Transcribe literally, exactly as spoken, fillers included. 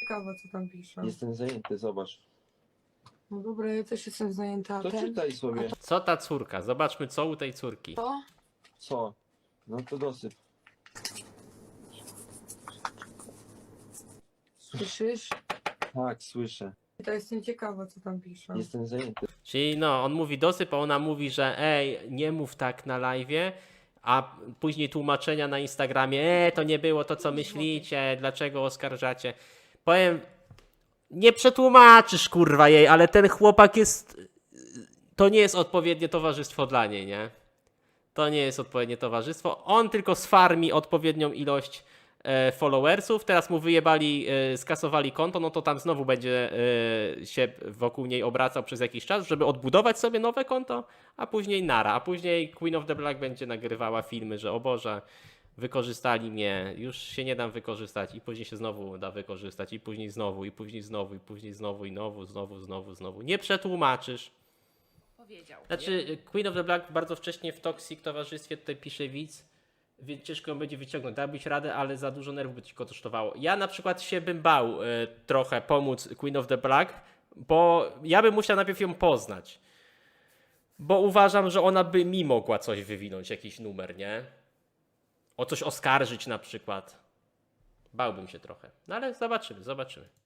Ciekawe, co tam pisze. Jestem zajęty, zobacz. No dobra, ja też jestem zajęta. A To ten? czytaj sobie. Co ta córka? Zobaczmy, co u tej córki. To? Co? No to dosyp. Słyszysz? Tak, słyszę. To jestem ciekawa, co tam pisze. Jestem zajęty. Czyli no, on mówi dosyp, a ona mówi, że ej, nie mów tak na live'ie, a później tłumaczenia na Instagramie, e, to nie było to, co myślicie, dlaczego oskarżacie. Powiem, nie przetłumaczysz, kurwa, jej, ale ten chłopak jest, to nie jest odpowiednie towarzystwo dla niej, nie? To nie jest odpowiednie towarzystwo. On tylko sfarmi odpowiednią ilość e, followersów, teraz mu wyjebali, e, skasowali konto, no to tam znowu będzie e, się wokół niej obracał przez jakiś czas, żeby odbudować sobie nowe konto, a później nara, a później Queen of the Black będzie nagrywała filmy, że o Boże, wykorzystali mnie, już się nie dam wykorzystać i później się znowu da wykorzystać i później znowu, i później znowu, i później znowu, i znowu, znowu, znowu, znowu. Nie przetłumaczysz. Powiedział. Znaczy, Queen of the Black bardzo wcześnie w Toxic towarzystwie, tutaj pisze widz, więc ciężko ją będzie wyciągnąć. Dałbyś radę, ale za dużo nerwów by ci go kosztowało. Ja na przykład się bym bał y, trochę pomóc Queen of the Black, bo ja bym musiał najpierw ją poznać. Bo uważam, że ona by mi mogła coś wywinąć, jakiś numer, nie? O coś oskarżyć na przykład. Bałbym się trochę. No ale zobaczymy, zobaczymy.